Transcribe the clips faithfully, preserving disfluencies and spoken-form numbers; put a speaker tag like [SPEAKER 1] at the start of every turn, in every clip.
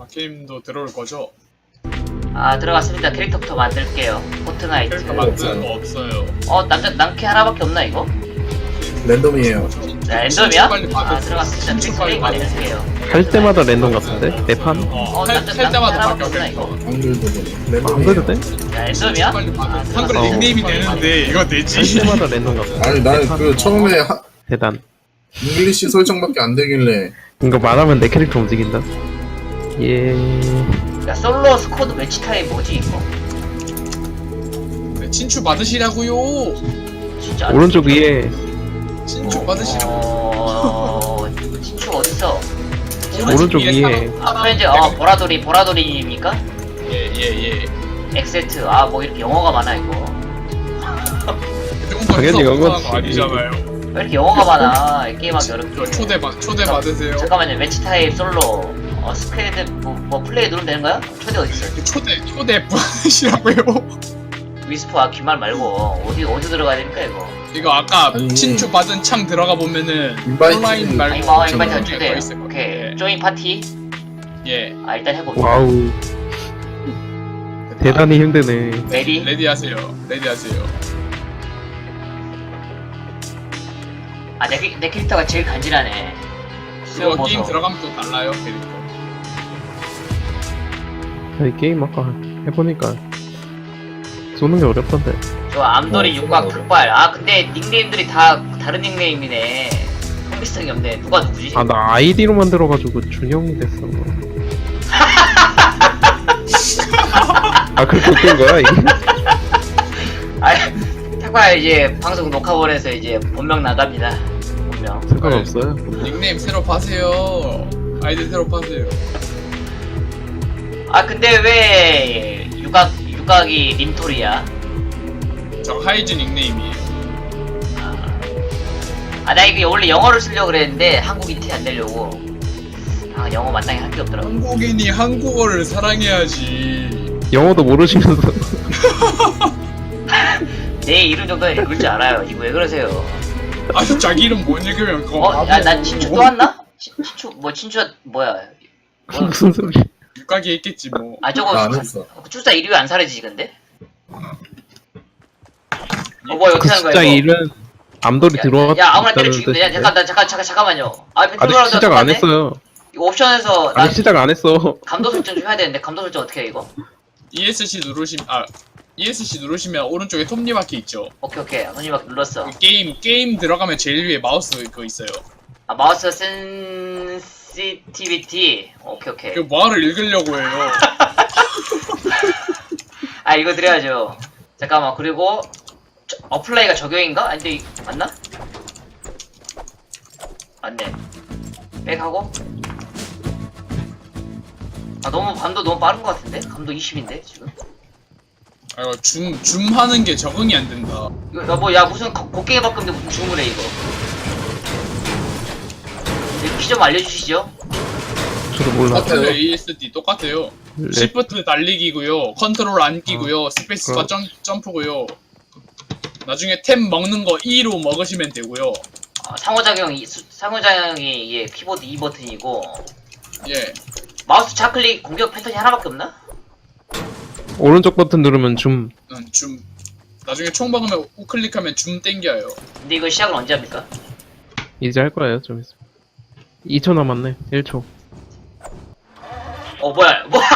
[SPEAKER 1] 게임도 들어올 거죠?
[SPEAKER 2] 아 들어갔습니다. 캐릭터부터 만들게요. 포트나이트.
[SPEAKER 1] 캐릭터 만드는 거 없어요.
[SPEAKER 2] 어 남자 남캐 하나밖에 없나 이거?
[SPEAKER 3] 랜덤이에요.
[SPEAKER 2] 자, 랜덤이야?
[SPEAKER 1] 빨리 받으세요.
[SPEAKER 2] 아 들어갔습니다.
[SPEAKER 1] 신청
[SPEAKER 2] 캐릭터
[SPEAKER 1] 빨리
[SPEAKER 2] 네임
[SPEAKER 1] 받으세요.
[SPEAKER 2] 만들게요.
[SPEAKER 4] 할 때마다 랜덤 같은데? 내 판?
[SPEAKER 1] 어,
[SPEAKER 2] 어,
[SPEAKER 1] 할,
[SPEAKER 2] 남자
[SPEAKER 1] 할 때마다
[SPEAKER 2] 남캐
[SPEAKER 1] 바뀌어
[SPEAKER 2] 하나밖에 없나 이거?
[SPEAKER 3] 한글도 랜덤이에요.
[SPEAKER 4] 안 그래도 돼?
[SPEAKER 2] 자 랜덤이야?
[SPEAKER 1] 빨리 받으세요.
[SPEAKER 2] 아,
[SPEAKER 1] 한글
[SPEAKER 2] 들어갔어.
[SPEAKER 1] 닉네임이 되는데 이거
[SPEAKER 4] 할
[SPEAKER 1] 되지?
[SPEAKER 4] 때마다 랜덤 같아.
[SPEAKER 3] 아니 나는 그 처음에 하,
[SPEAKER 4] 대단.
[SPEAKER 3] 잉글리시 설정밖에 안 되길래
[SPEAKER 4] 이거 말하면 내 캐릭터 움직인다. 예.
[SPEAKER 2] 야 솔로 스쿼드 매치 타입 뭐지 이거?
[SPEAKER 1] 네, 친추 받으시라고요.
[SPEAKER 2] 진짜
[SPEAKER 4] 오른쪽 위에
[SPEAKER 1] 친추 받으시라고.
[SPEAKER 2] 어... 친추 어딨어?
[SPEAKER 4] 오른쪽 위에
[SPEAKER 2] 아 프렌즈 어 보라돌이 보라돌이입니까?
[SPEAKER 1] 예예예.
[SPEAKER 2] 엑세트 아 뭐 이렇게 영어가 많아 이거.
[SPEAKER 1] 조금 더
[SPEAKER 4] 당연히
[SPEAKER 1] 해서
[SPEAKER 4] 영어지.
[SPEAKER 1] 거 아니잖아요.
[SPEAKER 2] 왜 이렇게 영어가 많아? 이 게임하기 어렵게.
[SPEAKER 1] 저 초대 받 초대 받으세요.
[SPEAKER 2] 잠깐만요. 매치 타입 솔로 어 스퀘드 뭐, 뭐 플레이 누르면 되는 거야? 초대 어디 있어?
[SPEAKER 1] 초대 초대 받으시라고요.
[SPEAKER 2] 위스프 아 귀말 말고 어디 어디 들어가야 됩니까 이거?
[SPEAKER 1] 이거 아까
[SPEAKER 3] 아니.
[SPEAKER 1] 친추 받은 창 들어가 보면은
[SPEAKER 3] 인바이트
[SPEAKER 1] 온라인 말고
[SPEAKER 2] 아니 뭐
[SPEAKER 3] 잠깐만.
[SPEAKER 2] 인바이트
[SPEAKER 1] 거
[SPEAKER 2] 초대.
[SPEAKER 1] 있을 거예요.
[SPEAKER 2] 오케이 조인 파티.
[SPEAKER 1] 예.
[SPEAKER 2] 아 일단 해볼게.
[SPEAKER 4] 와우 대단히 힘드네.
[SPEAKER 2] 레디.
[SPEAKER 1] 레디 하세요. 레디 하세요.
[SPEAKER 2] 아내 내 캐릭터가 제일 간지나네. 수영
[SPEAKER 1] 이거 게임
[SPEAKER 2] 보소.
[SPEAKER 1] 들어가면 또 달라요 캐릭터.
[SPEAKER 4] 이 게임 아까 해보니까 쏘는 게 어렵던데.
[SPEAKER 2] 저 암돌이
[SPEAKER 3] 어,
[SPEAKER 2] 육각
[SPEAKER 3] 수고하고.
[SPEAKER 2] 흑발. 아 근데 닉네임들이 다 다른 닉네임이네. 통비성이 없네. 누가 누구지?
[SPEAKER 4] 아 나 아이디로 만들어가지고 준영이 됐어. 아 그렇게 웃긴 거야 이게?
[SPEAKER 2] 아 탁발 이제 방송 녹화본에서 이제 본명 나갑니다. 본명.
[SPEAKER 4] 상관없어요.
[SPEAKER 1] 닉네임 새로 파세요. 아이디 새로 파세요.
[SPEAKER 2] 아 근데 왜 육각 육각이 림토리야?
[SPEAKER 1] 저 하이즈 닉네임이에요.
[SPEAKER 2] 아 나 이게 원래 영어를 쓰려고 그랬는데 한국인 티 안 내려고. 아 영어 마땅히 할 게 없더라고.
[SPEAKER 1] 한국인이 한국어를 사랑해야지.
[SPEAKER 4] 영어도 모르시면서
[SPEAKER 2] 내 이름 정도는 읽을 줄 알아요. 이거 왜 그러세요?
[SPEAKER 1] 아니 자기 이름 못 읽으면 그거
[SPEAKER 2] 어? 야 나 친추 또 왔나? 친, 친추 뭐 친추 뭐야? 뭐,
[SPEAKER 4] 무슨 소리?
[SPEAKER 1] 육각이 있겠지 뭐.
[SPEAKER 2] 아 저거
[SPEAKER 3] 나 안 했어.
[SPEAKER 2] 출사 일 위 안 사라지지 근데? 어 뭐야 어떻게
[SPEAKER 4] 그
[SPEAKER 2] 하는 거야
[SPEAKER 4] 숫자
[SPEAKER 2] 이거?
[SPEAKER 4] 일은 암돌이
[SPEAKER 2] 야,
[SPEAKER 4] 들어왔다.
[SPEAKER 2] 야 아무나 때려 죽이면 돼. 야 잠깐 나 잠깐 잠깐 잠깐만요. 아
[SPEAKER 4] 아직
[SPEAKER 2] 펜트브라운드
[SPEAKER 4] 시작 안 했어요.
[SPEAKER 2] 이거 옵션에서 나
[SPEAKER 4] 아직 시작 안 했어.
[SPEAKER 2] 감도 설정 좀 해야 되는데 감도 설정 어떻게 해 이거?
[SPEAKER 1] 이에스씨 누르시면 아 이에스씨 누르시면 오른쪽에 톱니바퀴 있죠.
[SPEAKER 2] 오케이 오케이 손님막 눌렀어.
[SPEAKER 1] 그 게임 게임 들어가면 제일 위에 마우스 그거 있어요.
[SPEAKER 2] 아 마우스 센시티비티 오케이 오케이.
[SPEAKER 1] 그 뭐를 읽으려고 해요.
[SPEAKER 2] 아 이거 드려야죠. 잠깐만 그리고 저, 어플라이가 적용인가? 아니 근데 이- 맞나? 맞네. 백하고 아 너무 감도 너무 빠른 것 같은데? 감도 이십인데 지금?
[SPEAKER 1] 아 이거 줌 줌하는 게 적응이 안 된다.
[SPEAKER 2] 이거 여보 야 무슨 거- 곡괭이 바꾼데 무슨 줌을 해 이거? 키 좀 알려주시죠.
[SPEAKER 4] 저도 몰라.
[SPEAKER 3] 똑같아요.
[SPEAKER 1] 똑같아요. 에이에스디 똑같아요.
[SPEAKER 4] 랩.
[SPEAKER 1] 시프트 달리기고요. 컨트롤 앉기고요. 스페이스바
[SPEAKER 4] 어.
[SPEAKER 1] 점, 점프고요. 나중에 템 먹는 거 E로 먹으시면 되고요.
[SPEAKER 2] 아, 상호작용이 수- 상호작용이 이게 키보드 이 버튼이고
[SPEAKER 1] 예.
[SPEAKER 2] 마우스 좌클릭 공격 패턴이 하나밖에 없나?
[SPEAKER 4] 오른쪽 버튼 누르면 줌.
[SPEAKER 1] 음, 줌. 나중에 총 박으면 우클릭하면 줌 땡겨요.
[SPEAKER 2] 근데 이거 시작을 언제 합니까?
[SPEAKER 4] 이제 할 거예요 좀 있어. 이 초 남았네. 일 초.
[SPEAKER 2] 어 뭐야 뭐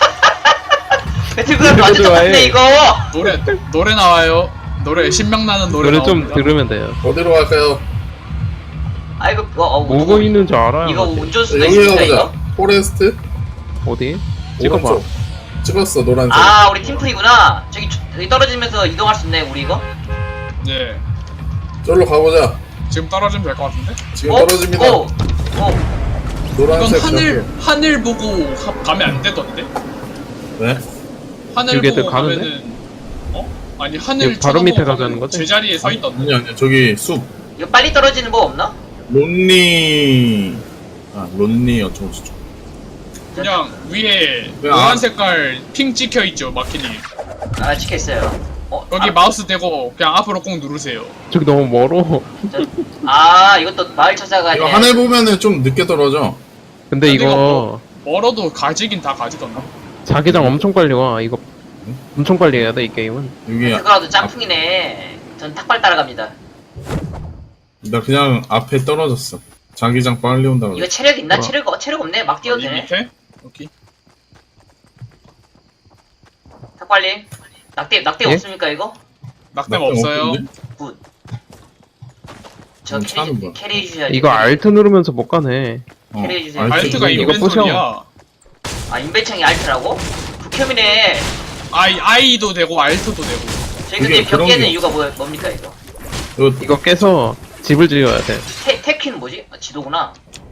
[SPEAKER 2] 배틀그라운드 완전
[SPEAKER 4] 좋아해.
[SPEAKER 2] 똑같네 이거.
[SPEAKER 1] 노래 노래 나와요. 노래 신명나는 노래
[SPEAKER 4] 노래 좀
[SPEAKER 1] 나옵니다.
[SPEAKER 4] 들으면 돼요.
[SPEAKER 3] 어디로 갈까요?
[SPEAKER 2] 아 이거 어, 어,
[SPEAKER 4] 뭐고
[SPEAKER 2] 이거-
[SPEAKER 4] 있는 줄 알아요.
[SPEAKER 2] 이거
[SPEAKER 4] 사실.
[SPEAKER 2] 운전수도
[SPEAKER 3] 여기
[SPEAKER 2] 있습니까
[SPEAKER 3] 가보자.
[SPEAKER 2] 이거?
[SPEAKER 3] 포레스트
[SPEAKER 4] 어디? 찍어봐.
[SPEAKER 3] 오른쪽. 찍었어 노란색.
[SPEAKER 2] 아 우리 팀플이구나. 저기 주- 여기 떨어지면서 이동할 수 있네 우리 이거.
[SPEAKER 1] 네.
[SPEAKER 3] 저기로 가보자.
[SPEAKER 1] 지금 떨어지면 될 것 같은데?
[SPEAKER 3] 지금
[SPEAKER 2] 어?
[SPEAKER 3] 떨어집니다.
[SPEAKER 2] 오! 오!
[SPEAKER 1] 이건
[SPEAKER 3] 노란색
[SPEAKER 1] 하늘
[SPEAKER 3] 저기.
[SPEAKER 1] 하늘 보고 가, 가면 안 되던데?
[SPEAKER 3] 네?
[SPEAKER 1] 하늘
[SPEAKER 4] 여기에도
[SPEAKER 1] 보고
[SPEAKER 4] 가는데?
[SPEAKER 1] 가면은 어? 아니 하늘
[SPEAKER 4] 여기 바로 밑에
[SPEAKER 1] 쳐다보고
[SPEAKER 4] 가자는
[SPEAKER 1] 가면
[SPEAKER 4] 거지?
[SPEAKER 1] 제자리에 서 있던데.
[SPEAKER 3] 아니 아니 저기 숲.
[SPEAKER 2] 이거 빨리 떨어지는 법 없나?
[SPEAKER 3] 론리. 아 론리 어쩌고 저쩌고.
[SPEAKER 1] 그냥 위에
[SPEAKER 3] 왜
[SPEAKER 1] 노란
[SPEAKER 3] 안-
[SPEAKER 1] 색깔 핑 찍혀 있죠 마키니.
[SPEAKER 2] 아 찍혔어요. 어,
[SPEAKER 1] 여기
[SPEAKER 2] 아,
[SPEAKER 1] 마우스 대고 그냥 앞으로 꼭 누르세요.
[SPEAKER 4] 저기 너무 멀어.
[SPEAKER 2] 저, 아 이것도 마을 찾아가네.
[SPEAKER 3] 이거 하늘 보면은 좀 늦게 떨어져.
[SPEAKER 4] 근데
[SPEAKER 1] 근데 이거
[SPEAKER 4] 이거
[SPEAKER 1] 멀어도 가지긴 다 가지던가.
[SPEAKER 4] 자기장 엄청 빨리 와. 이거 엄청 빨리 해야 돼, 이 게임은.
[SPEAKER 3] 여기
[SPEAKER 2] 그거라도 짬풍이네. 전 탁발 따라갑니다.
[SPEAKER 3] 나 그냥 앞에 떨어졌어. 자기장 빨리 온다고.
[SPEAKER 2] 이거 체력 있나?
[SPEAKER 4] 어.
[SPEAKER 2] 체력 어, 체력 없네. 막 뛰어도
[SPEAKER 1] 이
[SPEAKER 2] 되네.
[SPEAKER 1] 밑에? 오케이.
[SPEAKER 2] 탁발님. 낙대 낙대
[SPEAKER 4] 예?
[SPEAKER 2] 없습니까 이거?
[SPEAKER 1] 낙뎀
[SPEAKER 3] 낙뎀
[SPEAKER 1] 없어요.
[SPEAKER 3] 없는데?
[SPEAKER 2] 굿. 저
[SPEAKER 3] 음, 차는
[SPEAKER 2] 캐리
[SPEAKER 3] 뭐야?
[SPEAKER 2] 캐리 해주셔야지.
[SPEAKER 4] 이거 알트 누르면서 못 가네.
[SPEAKER 3] 어,
[SPEAKER 2] 캐리해 주세요.
[SPEAKER 3] 알트
[SPEAKER 1] 알트가
[SPEAKER 3] 누르고.
[SPEAKER 4] 이거 부셔.
[SPEAKER 1] 인벤토리야.
[SPEAKER 2] 아 인벤창이 알트라고? 극혐이네.
[SPEAKER 1] 아이 아이도 되고 알트도 되고.
[SPEAKER 2] 저희 근데
[SPEAKER 3] 이게
[SPEAKER 2] 벽
[SPEAKER 3] 그런
[SPEAKER 2] 깨는
[SPEAKER 3] 게-
[SPEAKER 2] 이유가 뭐, 뭡니까 이거?
[SPEAKER 3] 이거
[SPEAKER 4] 이거 깨서 집을 지어야 돼.
[SPEAKER 2] 테, 테키는 뭐지? 아, 지도구나.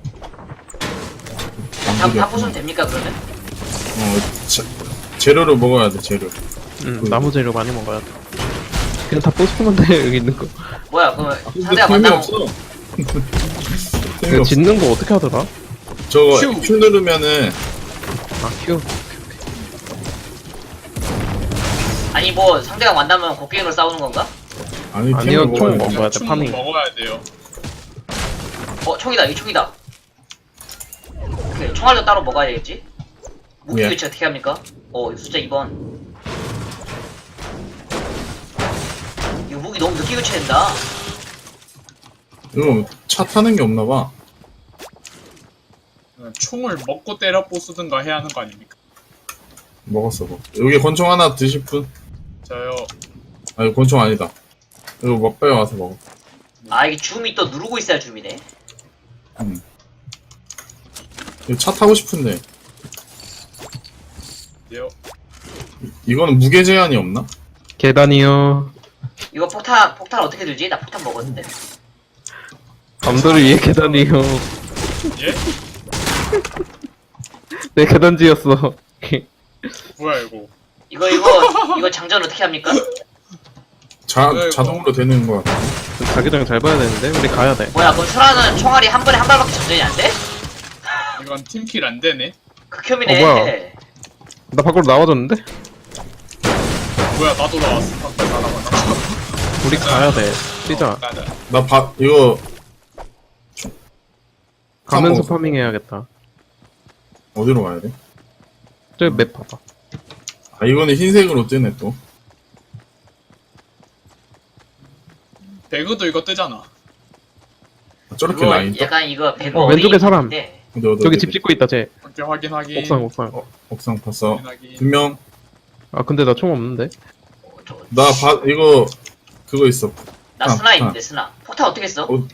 [SPEAKER 2] 다,
[SPEAKER 3] 방법이
[SPEAKER 2] 다
[SPEAKER 3] 없구나.
[SPEAKER 2] 부수면 됩니까 그러면?
[SPEAKER 3] 어, 자, 재료를 먹어야 돼 재료.
[SPEAKER 4] 응,
[SPEAKER 3] 그-
[SPEAKER 4] 나무 재료 많이 먹어야 돼. 그냥 다 부수면 돼, 여기 있는 거.
[SPEAKER 2] 뭐야 그러면
[SPEAKER 3] 근데
[SPEAKER 2] 상대가
[SPEAKER 3] 템이
[SPEAKER 2] 만나면
[SPEAKER 3] 없어. 템이
[SPEAKER 4] 이거
[SPEAKER 3] 없어.
[SPEAKER 4] 짓는 거 어떻게 하더라?
[SPEAKER 3] 저거
[SPEAKER 1] 큐.
[SPEAKER 3] Q 누르면은
[SPEAKER 4] 아, 큐.
[SPEAKER 2] 아니 뭐 상대가 만나면 곡괭이로 싸우는 건가?
[SPEAKER 3] 아니
[SPEAKER 4] 아니요,
[SPEAKER 3] 템을
[SPEAKER 4] 총
[SPEAKER 3] 먹어야 돼.
[SPEAKER 4] 먹어야 돼,
[SPEAKER 1] 총
[SPEAKER 4] 파밍.
[SPEAKER 1] 먹어야 돼요.
[SPEAKER 2] 어 총이다 이 총이다. 오케이 총알도 따로 먹어야 되겠지? 무기
[SPEAKER 3] 뭐야?
[SPEAKER 2] 위치 어떻게 합니까? 어 이거 숫자 이 번. 이거 무기 너무 늦게 교체된다.
[SPEAKER 3] 이거 차 타는 게 없나 봐.
[SPEAKER 1] 총을 먹고 때려 부수든가 해야 하는 거 아닙니까?
[SPEAKER 3] 먹었어 뭐. 여기 권총 하나 드실 분?
[SPEAKER 1] 저요.
[SPEAKER 3] 아 이거 권총 아니다. 이거 먹배에 와서 먹어.
[SPEAKER 2] 아 이게 줌이 또 누르고 있어야 줌이네.
[SPEAKER 3] 응. 이거 차 타고 싶은데
[SPEAKER 1] 네요.
[SPEAKER 3] 이거는 무게 제한이 없나?
[SPEAKER 4] 계단이요.
[SPEAKER 2] 이거 폭탄 폭탄 어떻게 들지? 나 폭탄 먹었는데.
[SPEAKER 4] 감도를 위해 계단이요.
[SPEAKER 1] 예?
[SPEAKER 4] 내 계단 지었어.
[SPEAKER 1] 뭐야 이거?
[SPEAKER 2] 이거 이거 이거 장전 어떻게 합니까?
[SPEAKER 3] 자
[SPEAKER 1] 아이고.
[SPEAKER 3] 자동으로 되는 거 같아.
[SPEAKER 4] 자기장 잘 봐야 되는데 우리 가야 돼.
[SPEAKER 2] 뭐야 그럼 수라는 총알이 한 번에 한 발밖에 장전이 안 돼?
[SPEAKER 1] 이건 팀킬 안 되네.
[SPEAKER 2] 극혐이네.
[SPEAKER 4] 어, 뭐야? 나 밖으로 나와줬는데?
[SPEAKER 1] 뭐야 나도 나왔어. 밖에 나가봐.
[SPEAKER 4] 우리 가야 돼. 뛰자.
[SPEAKER 1] 가자.
[SPEAKER 3] 나 바 이거
[SPEAKER 4] 가면서
[SPEAKER 3] 먹었어.
[SPEAKER 4] 파밍 해야겠다.
[SPEAKER 3] 어디로 가야 돼?
[SPEAKER 4] 저기 맵 봐봐.
[SPEAKER 3] 아 이거는 흰색으로 뜨네 또.
[SPEAKER 1] 배그도 이거 뜨잖아.
[SPEAKER 3] 아, 저렇게
[SPEAKER 2] 이거
[SPEAKER 3] 라인 떠?
[SPEAKER 2] 약간 이거 배그
[SPEAKER 4] 어, 왼쪽에 사람.
[SPEAKER 2] 어린이인데
[SPEAKER 3] 어디 어디
[SPEAKER 4] 저기
[SPEAKER 3] 어디,
[SPEAKER 4] 집
[SPEAKER 3] 어디?
[SPEAKER 4] 짓고 있다, 쟤.
[SPEAKER 1] 오케이 확인 확인.
[SPEAKER 4] 옥상, 옥상.
[SPEAKER 3] 어, 옥상 봤어.
[SPEAKER 1] 확인 확인.
[SPEAKER 3] 두 명.
[SPEAKER 4] 아, 근데 나 총 없는데?
[SPEAKER 2] 어, 저-
[SPEAKER 3] 나 바, 이거 그거 있어.
[SPEAKER 2] 나
[SPEAKER 3] 아,
[SPEAKER 2] 스나
[SPEAKER 3] 아.
[SPEAKER 2] 있는데 스나. 폭탄 어떻게 써?
[SPEAKER 3] 어,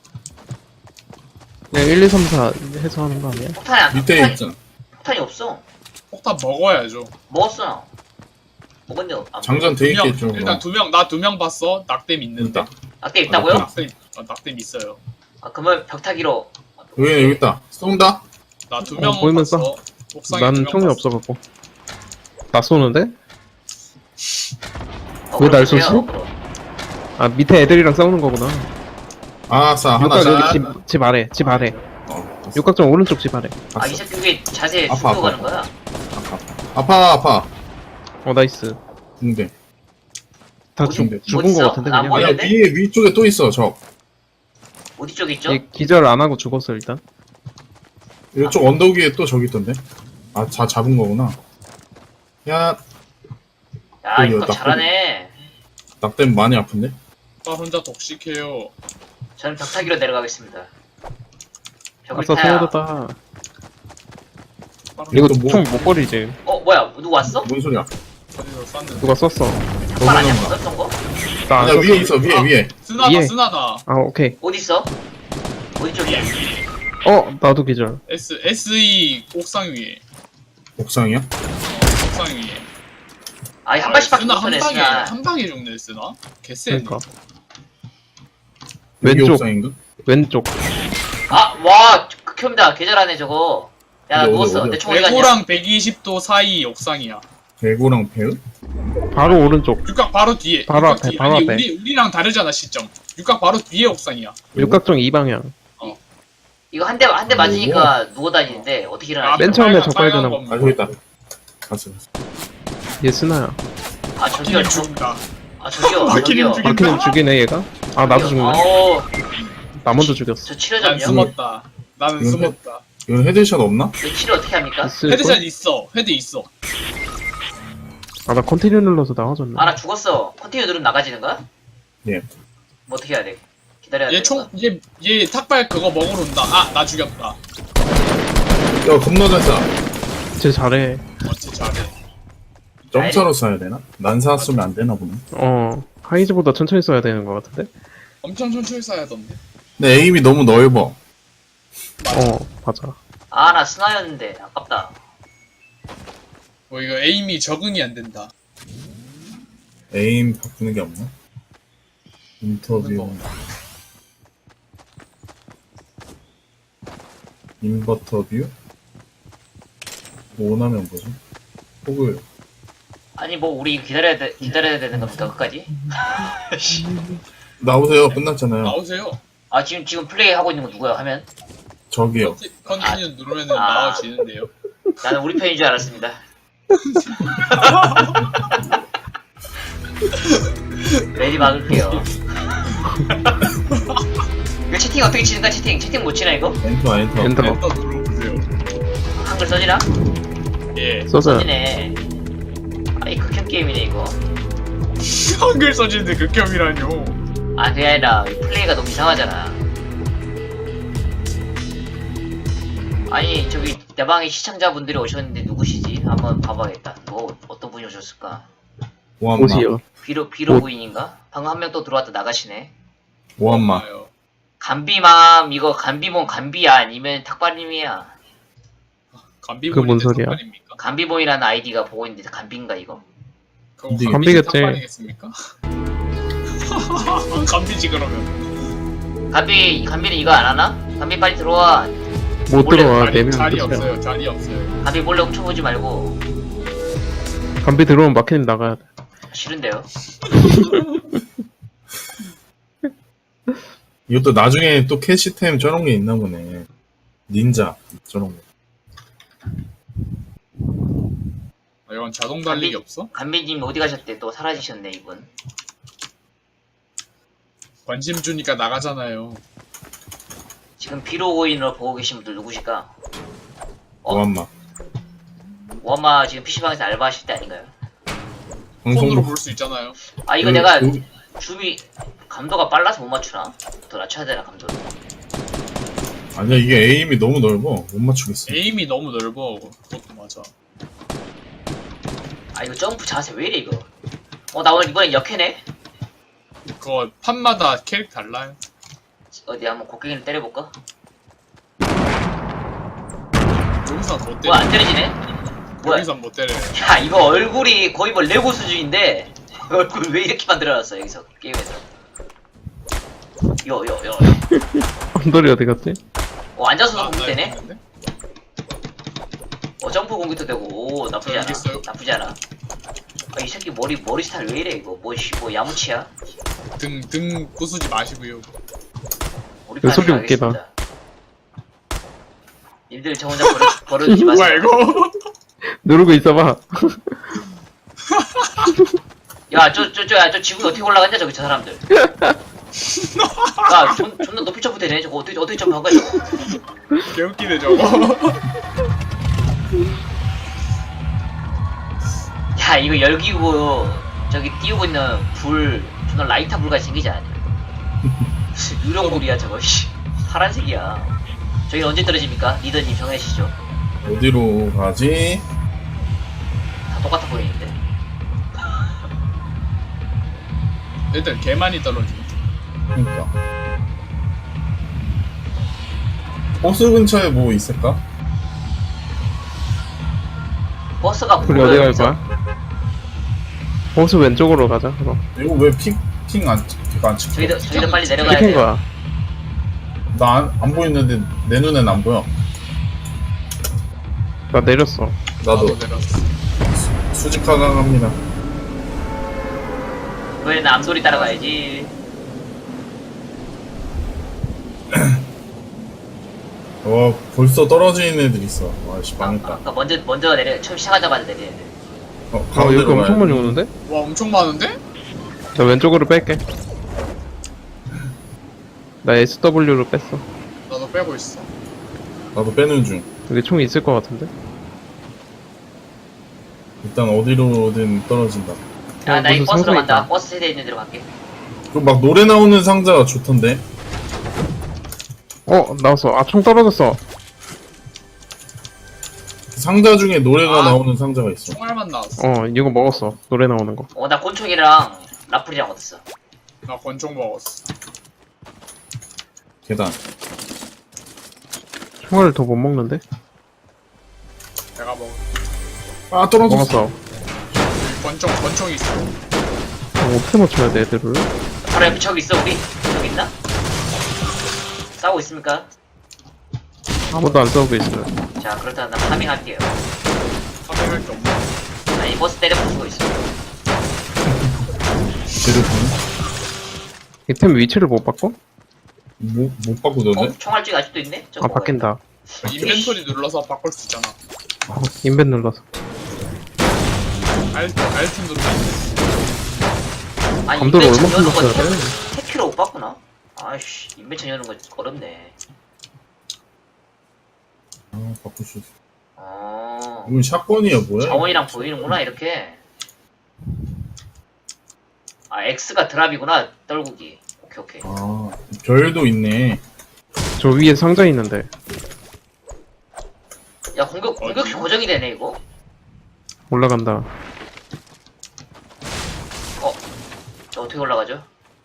[SPEAKER 4] 그냥 일, 이, 삼, 사 해서 하는 거 아니야?
[SPEAKER 2] 폭탄이 안
[SPEAKER 3] 밑에
[SPEAKER 2] 폭탄이,
[SPEAKER 3] 있잖아.
[SPEAKER 2] 폭탄이 없어.
[SPEAKER 1] 폭탄 먹어야죠.
[SPEAKER 2] 먹었어. 먹었는데 안
[SPEAKER 3] 장전 돼
[SPEAKER 1] 두 명.
[SPEAKER 3] 있겠죠.
[SPEAKER 1] 일단 두 명. 나 두 명 봤어. 낙뎀 있는데.
[SPEAKER 3] 있다.
[SPEAKER 2] 낙대 있다고요?
[SPEAKER 3] 아,
[SPEAKER 1] 낙뎀. 어, 낙뎀 있어요.
[SPEAKER 2] 아 그러면 벽타기로.
[SPEAKER 3] 여기 여기 있다. 쏜다.
[SPEAKER 1] 나 두
[SPEAKER 4] 어,
[SPEAKER 1] 명
[SPEAKER 4] 보이면
[SPEAKER 1] 봤어. 옥상에
[SPEAKER 4] 난
[SPEAKER 1] 두명
[SPEAKER 4] 총이
[SPEAKER 1] 봤어.
[SPEAKER 4] 없어갖고. 나 쏘는데?
[SPEAKER 2] 어,
[SPEAKER 4] 왜 날
[SPEAKER 2] 그럼
[SPEAKER 4] 쏘지?
[SPEAKER 2] 보세요.
[SPEAKER 4] 아, 밑에 애들이랑 싸우는 거구나.
[SPEAKER 3] 아싸 하나
[SPEAKER 4] 육각
[SPEAKER 3] 샷.
[SPEAKER 4] 여기 집, 집 아래, 집 아래.
[SPEAKER 3] 어, 봤어.
[SPEAKER 4] 육각정 오른쪽 집 아래.
[SPEAKER 2] 아
[SPEAKER 3] 봤어.
[SPEAKER 2] 이 새끼 왜 자세
[SPEAKER 3] 아파,
[SPEAKER 2] 숙여 가는
[SPEAKER 3] 아파.
[SPEAKER 2] 거야?
[SPEAKER 3] 아파 아파.
[SPEAKER 4] 어, 나이스.
[SPEAKER 3] 근데
[SPEAKER 4] 다
[SPEAKER 2] 어디-
[SPEAKER 4] 죽,
[SPEAKER 3] 어디
[SPEAKER 4] 죽은
[SPEAKER 2] 있어?
[SPEAKER 4] 거 같은데,
[SPEAKER 2] 안
[SPEAKER 4] 그냥.
[SPEAKER 2] 보여?
[SPEAKER 3] 아니야
[SPEAKER 2] 보이는데?
[SPEAKER 3] 위에 위쪽에 또 있어 저.
[SPEAKER 2] 어디 쪽에 있죠?
[SPEAKER 4] 얘 기절 안 하고 죽었어, 일단.
[SPEAKER 3] 이쪽 언덕 위에 또 저기 있던데. 아, 다 잡은 거구나. 야,
[SPEAKER 2] 야
[SPEAKER 3] 여기
[SPEAKER 2] 이거
[SPEAKER 3] 낙대-
[SPEAKER 2] 잘하네.
[SPEAKER 3] 낙댐 많이 아픈데?
[SPEAKER 1] 나 혼자 독식해요.
[SPEAKER 2] 저는 벽타기로 내려가겠습니다. 벽을
[SPEAKER 4] 아싸,
[SPEAKER 2] 타야.
[SPEAKER 4] 소모됐다.
[SPEAKER 1] 빠른
[SPEAKER 4] 이거
[SPEAKER 3] 또 뭐-
[SPEAKER 4] 총 못 버리지.
[SPEAKER 2] 어 뭐야 누구 왔어?
[SPEAKER 3] 뭔 소리야?
[SPEAKER 1] 어디서 쐈는데.
[SPEAKER 4] 누가 썼어.
[SPEAKER 2] 탁발 아니야
[SPEAKER 3] 넘어간다.
[SPEAKER 2] 썼던 거?
[SPEAKER 4] 나 안
[SPEAKER 3] 야
[SPEAKER 4] 썼어.
[SPEAKER 3] 위에 있어 위에
[SPEAKER 1] 아.
[SPEAKER 3] 위에.
[SPEAKER 1] 쓰나다
[SPEAKER 4] 예.
[SPEAKER 1] 쓰나다.
[SPEAKER 4] 아, 오케이.
[SPEAKER 2] 어디 있어? 어디 쪽이야?
[SPEAKER 4] 어, 나도 기절.
[SPEAKER 1] S SE 옥상 위에.
[SPEAKER 3] 옥상이야?
[SPEAKER 1] 어, 옥상 위에.
[SPEAKER 2] 아니 한 발씩밖에
[SPEAKER 1] 쓰나
[SPEAKER 2] 못
[SPEAKER 1] 한
[SPEAKER 2] 쏘네
[SPEAKER 1] 방에
[SPEAKER 2] 스나.
[SPEAKER 1] 한 방에 죽네 쓰나? 개쎄.
[SPEAKER 4] 그러니까.
[SPEAKER 3] 여기
[SPEAKER 4] 왼쪽.
[SPEAKER 3] 옥상인가?
[SPEAKER 4] 왼쪽.
[SPEAKER 2] 아와 극혐이다 계절하네 저거. 야 나
[SPEAKER 3] 어디,
[SPEAKER 2] 누웠어.
[SPEAKER 3] 어디야?
[SPEAKER 2] 내 총 어디 갔냐?
[SPEAKER 1] 대구랑 백이십 도 사이 옥상이야.
[SPEAKER 3] 대구랑 배우?
[SPEAKER 4] 바로 오른쪽.
[SPEAKER 1] 육각 바로 뒤에.
[SPEAKER 4] 바로
[SPEAKER 1] 육각
[SPEAKER 4] 앞에,
[SPEAKER 1] 뒤에.
[SPEAKER 4] 바로
[SPEAKER 1] 아니,
[SPEAKER 4] 앞에.
[SPEAKER 1] 우리 우리랑 다르잖아 시점. 육각 바로 뒤에 옥상이야.
[SPEAKER 4] 육각정 이 방향.
[SPEAKER 2] 이거 한 대 한 대 맞으니까 누워 다니는데 어떻게 일어나지?
[SPEAKER 4] 맨 처음에
[SPEAKER 1] 빨간-
[SPEAKER 4] 저 빨간
[SPEAKER 1] 빨간
[SPEAKER 4] 거.
[SPEAKER 1] 거.
[SPEAKER 3] 아 저기 있다. 갔어.
[SPEAKER 4] 얘 스나야.
[SPEAKER 2] 아 저기요
[SPEAKER 1] 키님
[SPEAKER 2] 저,
[SPEAKER 1] 죽는다.
[SPEAKER 2] 아 저기요
[SPEAKER 1] 아, 키님
[SPEAKER 2] 저기요.
[SPEAKER 1] 죽인다.
[SPEAKER 4] 마키님 죽이네, 얘가? 아, 나도 죽네.
[SPEAKER 2] 어,
[SPEAKER 4] 나 먼저 죽였어.
[SPEAKER 2] 저
[SPEAKER 1] 난
[SPEAKER 2] 치료점요?
[SPEAKER 1] 숨었다. 나는
[SPEAKER 3] 이건
[SPEAKER 1] 숨었다.
[SPEAKER 3] 이건 헤드샷 없나?
[SPEAKER 2] 이거 킬을 어떻게 합니까?
[SPEAKER 1] 헤드샷 있어. 헤드 있어.
[SPEAKER 4] 아나 컨티뉴 눌러서 나가졌네.
[SPEAKER 2] 아 나 죽었어. 컨티뉴 누르면 나가지는 거야?
[SPEAKER 3] 예.
[SPEAKER 2] 뭐 어떻게 해야 돼? 기다려야 돼.
[SPEAKER 1] 얘 총, 얘, 얘 탁발 그거 먹으러 온다. 아, 나 죽였다.
[SPEAKER 3] 야 겁나 잘 쏴.
[SPEAKER 4] 쟤 잘해.
[SPEAKER 1] 어째 잘해.
[SPEAKER 3] 점차로 쏴야 되나? 난사 쏘면 안 되나 보네.
[SPEAKER 4] 어 하이즈보다 천천히 써야 되는 것 같은데.
[SPEAKER 1] 엄청 천천히 쏴야던데.
[SPEAKER 3] 근데 에임이 너무 넓어.
[SPEAKER 4] 어 맞아.
[SPEAKER 2] 아 나 스나였는데 아깝다.
[SPEAKER 1] 뭐 이거 에임이 적응이 안 된다.
[SPEAKER 3] 에임 바꾸는 게 없나? 인터뷰. 인버터 뷰? 뭐 원하면 뭐지? 혹을
[SPEAKER 2] 아니 뭐 우리 기다려야 돼 기다려야 되는 겁니까 끝까지?
[SPEAKER 3] 나오세요. 끝났잖아요.
[SPEAKER 1] 나오세요.
[SPEAKER 2] 아 지금 지금 플레이 하고 있는 거 누구야 하면?
[SPEAKER 3] 저기요.
[SPEAKER 1] 컨티, 컨티뉴 누르면은
[SPEAKER 2] 아.
[SPEAKER 1] 나와지는데요.
[SPEAKER 2] 나는 우리 편인 줄 알았습니다. 레디 막을게요. 이거 채팅 어떻게 치는가 채팅 채팅 못 치나 이거?
[SPEAKER 3] 엔터 엔터.
[SPEAKER 4] 엔터
[SPEAKER 1] 엔터 눌러보세요.
[SPEAKER 2] 한글 써지나?
[SPEAKER 1] 예.
[SPEAKER 4] 써서
[SPEAKER 2] 써지네. 아이 극혐 게임이네 이거.
[SPEAKER 1] 한글 써지는데 극혐이라뇨.
[SPEAKER 2] 아 그게 아니라 이 플레이가 너무 이상하잖아. 아니 저기 내 방에 시청자분들이 오셨는데 누구시지? 한번 봐봐야겠다. 뭐 어떤 분이 오셨을까?
[SPEAKER 3] 오한마.
[SPEAKER 4] 옷이요.
[SPEAKER 2] 비로 비로
[SPEAKER 4] 옷.
[SPEAKER 2] 부인인가? 방금 한 명 또 들어왔다 나가시네.
[SPEAKER 3] 오한마.
[SPEAKER 1] 봐요.
[SPEAKER 2] 간비맘 이거 간비몬 간비야 아니면 탁발님이야?
[SPEAKER 1] 감비본인데
[SPEAKER 4] 그뭔 소리야?
[SPEAKER 1] 탁발입니까?
[SPEAKER 2] 간비몬이라는 아이디가 보고 있는데 간비인가 이거?
[SPEAKER 1] 그거
[SPEAKER 3] 감비-
[SPEAKER 1] 감비겠지.
[SPEAKER 4] 감비겠지.
[SPEAKER 1] 탁발이겠습니까? 감비지 그러면.
[SPEAKER 2] 간비 간비는 이거 안 하나? 간비 빨리 들어와.
[SPEAKER 4] 못
[SPEAKER 2] 원래
[SPEAKER 4] 들어와.
[SPEAKER 1] 자리,
[SPEAKER 4] 네명
[SPEAKER 1] 자리
[SPEAKER 4] 끝이야.
[SPEAKER 1] 없어요. 자리 없어요.
[SPEAKER 2] 간비 몰래 훔쳐보지 말고.
[SPEAKER 4] 감비 들어오면 마켓님 나가야 돼.
[SPEAKER 2] 싫은데요?
[SPEAKER 3] 이것도 나중에 또 캐시템 저런 게 있나 보네. 닌자 저런 거.
[SPEAKER 1] 아, 이건 자동 달리기
[SPEAKER 2] 감비-
[SPEAKER 1] 없어?
[SPEAKER 2] 간비님 어디 가셨대? 또 사라지셨네 이분.
[SPEAKER 1] 관심 주니까 나가잖아요.
[SPEAKER 2] 지금 비로고인으로 보고 계신 분들 누구실까? 어?
[SPEAKER 3] 오한마.
[SPEAKER 2] 워마 지금 피시방에서 알바하실 때 아닌가요?
[SPEAKER 3] 방송
[SPEAKER 1] 폰으로 볼 수 있잖아요.
[SPEAKER 2] 아 이거
[SPEAKER 3] 그-
[SPEAKER 2] 내가
[SPEAKER 3] 그-
[SPEAKER 2] 줌이 감도가 빨라서 못 맞추나? 더 낮춰야 되나 감도를?
[SPEAKER 3] 아니야 이게 에임이 너무 넓어. 못 맞추겠어.
[SPEAKER 1] 에임이 너무 넓어. 그것도 맞아.
[SPEAKER 2] 아 이거 점프 자세 왜 이래 이거? 어 나 오늘 이번엔 역해네?
[SPEAKER 1] 그거 판마다 캐릭터 달라요.
[SPEAKER 2] 어디 한번 곡괭이를 때려볼까?
[SPEAKER 1] 여기서 못 때려.
[SPEAKER 2] 뭐야 안 때려지네? 뭐야?
[SPEAKER 1] 여기서 못 때려요.
[SPEAKER 2] 야 이거 얼굴이 거의 뭐 레고 수준인데 얼굴 왜 이렇게 만들어놨어 여기서 게임에서? 요요요.
[SPEAKER 4] 언더리 어디 갔지?
[SPEAKER 2] 어 앉아서도
[SPEAKER 1] 아,
[SPEAKER 2] 공격 되네?
[SPEAKER 1] 있는데?
[SPEAKER 2] 어 점프 공격도 되고 오 나쁘지
[SPEAKER 1] 저
[SPEAKER 2] 않아.
[SPEAKER 1] 여기 있어요.
[SPEAKER 2] 나쁘지 않아. 아, 이 새끼 머리 머리 스타일 왜 이래 이거? 뭐씨 뭐 야무치야?
[SPEAKER 1] 등, 등 부수지 마시고요.
[SPEAKER 2] 우리
[SPEAKER 4] 이거 소리
[SPEAKER 2] 판에
[SPEAKER 4] 웃기다.
[SPEAKER 2] 가겠습니다. 님들 저 혼자 버려 버려두지 마세요.
[SPEAKER 1] 뭐야 이거?
[SPEAKER 4] 누르고 있어봐.
[SPEAKER 2] 야, 저, 저, 저, 야, 저 지구에 어떻게 올라갔냐, 저기, 저 사람들. 야, 존, 존나 높이 점프되네. 저거 어떻게, 어떻게 점프한 거야, 저거.
[SPEAKER 1] 개웃기네 저거.
[SPEAKER 2] 야, 이거 열기구, 저기 띄우고 있는 불, 존나 라이터 불같이 생기지 않냐. 무슨 유령불이야, 저거, 씨. 파란색이야. 저기 언제 떨어집니까? 리더님 정해주시죠.
[SPEAKER 3] 어디로 가지?
[SPEAKER 2] 다 똑같아 보이는데.
[SPEAKER 1] 일단 개 많이 떨어지네.
[SPEAKER 3] 그러니까. 버스 근처에 뭐 있을까?
[SPEAKER 2] 버스가
[SPEAKER 4] 우리
[SPEAKER 2] 보여요,
[SPEAKER 4] 어디 갈
[SPEAKER 2] 여기서?
[SPEAKER 4] 거야? 버스 왼쪽으로 가자. 그럼.
[SPEAKER 3] 이거 왜 픽, 픽안 픽안 찍혀?
[SPEAKER 2] 저희도, 저희도 빨리 내려가야
[SPEAKER 4] 찍힌
[SPEAKER 2] 돼요.
[SPEAKER 4] 거야.
[SPEAKER 3] 나안 안 보이는데 내 눈엔 안 보여.
[SPEAKER 4] 나 내렸어.
[SPEAKER 3] 나도
[SPEAKER 1] 나도 내렸어.
[SPEAKER 3] 수직하강 합니다.
[SPEAKER 2] 이번에는 암소리 따라가야지.
[SPEAKER 3] 와 벌써 떨어지는 애들 있어. 와씨
[SPEAKER 2] 아,
[SPEAKER 3] 망했다.
[SPEAKER 2] 아까 먼저, 먼저 내려, 처음 시작하자마자 내려야 돼.
[SPEAKER 3] 어,
[SPEAKER 4] 어,
[SPEAKER 3] 가운데로
[SPEAKER 4] 여기 엄청
[SPEAKER 3] 가야
[SPEAKER 4] 많이
[SPEAKER 3] 돼.
[SPEAKER 4] 오는데?
[SPEAKER 1] 와 엄청 많은데?
[SPEAKER 4] 나 왼쪽으로 뺄게. 나 에스더블유로 뺐어.
[SPEAKER 1] 나도 빼고 있어.
[SPEAKER 3] 나도 빼는 중.
[SPEAKER 4] 여기 총 있을 것 같은데?
[SPEAKER 3] 일단 어디로든 떨어진다.
[SPEAKER 2] 야, 나 이
[SPEAKER 4] 무슨
[SPEAKER 2] 버스로
[SPEAKER 4] 상자
[SPEAKER 2] 간다.
[SPEAKER 4] 있다.
[SPEAKER 2] 버스 세대 있는 데로 갈게.
[SPEAKER 3] 그 막 노래 나오는 상자가 좋던데.
[SPEAKER 4] 어, 나왔어. 아, 총 떨어졌어.
[SPEAKER 3] 상자 중에 노래가
[SPEAKER 1] 아.
[SPEAKER 3] 나오는 상자가 있어.
[SPEAKER 1] 총알만 나왔어.
[SPEAKER 4] 어, 이거 먹었어. 노래 나오는 거.
[SPEAKER 2] 어, 나 곤충이랑 라플이랑 얻었어.
[SPEAKER 1] 나 권총 먹었어.
[SPEAKER 3] 계단.
[SPEAKER 4] 총알을 더 못 먹는데?
[SPEAKER 1] 내가 먹.
[SPEAKER 3] 아 떨어졌어.
[SPEAKER 4] 먹었어.
[SPEAKER 1] 권총 권총 있어.
[SPEAKER 4] 어, 어떻게 맞춰야 돼, 애들을?
[SPEAKER 2] 바로 옆에 저기 있어, 우리? 저기 있나? 싸우고 있습니까?
[SPEAKER 4] 아무도 안 싸우고 있어요.
[SPEAKER 2] 자, 그렇다면 나 파밍할게요.
[SPEAKER 1] 파밍할 게 없네.
[SPEAKER 2] 나 이 버스 때려 부수고 있어.
[SPEAKER 3] 제대로 보네.
[SPEAKER 4] 이템 위치를 못 바꿔?
[SPEAKER 3] 못, 못 바꾸던데?
[SPEAKER 2] 어? 총알쥐가 아직도 있네? 저거
[SPEAKER 4] 아, 바뀐다.
[SPEAKER 1] 인벤토리 눌러서 바꿀 수 있잖아.
[SPEAKER 4] 어, 인벤 눌러서.
[SPEAKER 1] 알트 알트 누르면
[SPEAKER 2] 아,
[SPEAKER 4] 감도를
[SPEAKER 2] 인벤션
[SPEAKER 4] 얼마큼
[SPEAKER 2] 여는 거
[SPEAKER 4] 넣었어야 돼?
[SPEAKER 2] 택키로 못 봤구나? 아이씨, 인벤션 여는 거 어렵네.
[SPEAKER 3] 아 바꿀 수 있어.
[SPEAKER 2] 어.
[SPEAKER 3] 이건 샷건이야 뭐야?
[SPEAKER 2] 자원이랑 보이는구나, 이렇게. 아, X가 드랍이구나, 떨구기. 오케이, 오케이.
[SPEAKER 3] 아 별도 있네.
[SPEAKER 4] 저 위에 상자 있는데.
[SPEAKER 2] 야, 공격, 공격이 고정이 되네, 이거?
[SPEAKER 4] 올라간다.
[SPEAKER 2] 어, 저 어떻게 올라가죠?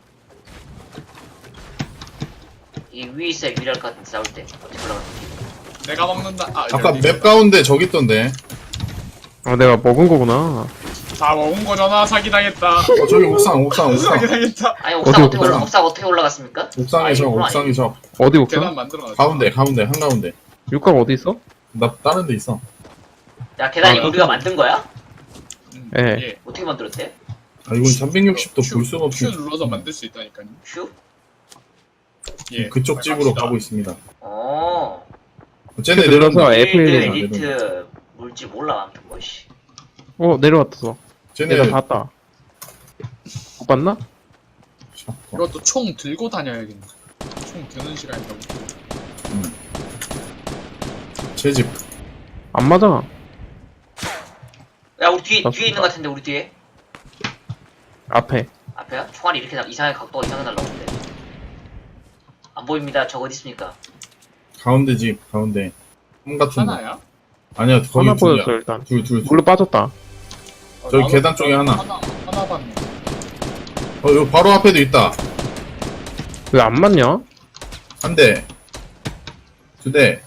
[SPEAKER 2] 이 위에 있어야 유리할 것 같은데, 싸울 때. 어떻게 올라가지?
[SPEAKER 1] 내가 먹는다. 아,
[SPEAKER 3] 아까
[SPEAKER 1] 여기
[SPEAKER 3] 맵 가운데 저기 있던데.
[SPEAKER 4] 아, 내가 먹은 거구나.
[SPEAKER 1] 다 먹은 거잖아. 사기 당했다.
[SPEAKER 3] 어 저기 옥상 옥상
[SPEAKER 1] 사기
[SPEAKER 3] 옥상.
[SPEAKER 1] 당했다.
[SPEAKER 2] 아니, 옥상
[SPEAKER 4] 어디,
[SPEAKER 2] 어떻게, 올라,
[SPEAKER 3] 옥상?
[SPEAKER 2] 옥상 어떻게 올라갔습니까?
[SPEAKER 3] 옥상에 저
[SPEAKER 2] 이거구나,
[SPEAKER 3] 옥상에 저
[SPEAKER 4] 어디 옥상?
[SPEAKER 1] 계단 만들어 놨어.
[SPEAKER 3] 가운데 가운데 한 가운데.
[SPEAKER 4] 육각 어디 있어?
[SPEAKER 3] 나 다른 데 있어.
[SPEAKER 2] 야, 계단이
[SPEAKER 4] 아,
[SPEAKER 2] 우리가 만든 거야?
[SPEAKER 1] 음,
[SPEAKER 4] 예.
[SPEAKER 1] 예.
[SPEAKER 2] 어떻게 만들었대?
[SPEAKER 3] 아 이건 삼백육십 도
[SPEAKER 1] 큐,
[SPEAKER 3] 볼 수가
[SPEAKER 1] 큐
[SPEAKER 3] 없이
[SPEAKER 1] 눌러서 만들 수 있다니까요.
[SPEAKER 2] 휴?
[SPEAKER 1] 예.
[SPEAKER 3] 그쪽 집으로 가고 있습니다.
[SPEAKER 2] 어.
[SPEAKER 3] 쟤네
[SPEAKER 4] 큐 눌러서
[SPEAKER 3] 내려온다.
[SPEAKER 4] F 일
[SPEAKER 2] 필드
[SPEAKER 4] 해봐.
[SPEAKER 2] 에디트 물지 몰라, 아무튼 뭐, 씨.
[SPEAKER 4] 어, 내려왔어.
[SPEAKER 3] 쟤네
[SPEAKER 4] 내가 봤다. 못 봤나?
[SPEAKER 3] 샷건.
[SPEAKER 1] 이것도 총 들고 다녀야겠네. 총 드는 시간이 너무.
[SPEAKER 3] 제 집.
[SPEAKER 4] 안 맞아.
[SPEAKER 2] 야, 우리 뒤에,
[SPEAKER 4] 맞습니다.
[SPEAKER 2] 뒤에 있는 것 같은데, 우리 뒤에.
[SPEAKER 4] 앞에.
[SPEAKER 2] 앞에야? 총알이 이렇게 나, 이상하게 각도가 이상하게 날라오는데. 안 보입니다. 저 어디 있습니까?
[SPEAKER 3] 가운데 집 가운데. 홈 같은 거.
[SPEAKER 1] 하나야?
[SPEAKER 3] 아니야 거기
[SPEAKER 4] 하나
[SPEAKER 3] 둘이야.
[SPEAKER 4] 보였어, 일단.
[SPEAKER 3] 둘 둘. 둘.
[SPEAKER 4] 물로 빠졌다.
[SPEAKER 1] 어,
[SPEAKER 3] 저기
[SPEAKER 1] 나도-
[SPEAKER 3] 계단 쪽에 하나.
[SPEAKER 1] 하나 하나 봤네.
[SPEAKER 3] 어 여기 바로 앞에도 있다.
[SPEAKER 4] 왜 안 맞냐?
[SPEAKER 3] 한 대. 두 대.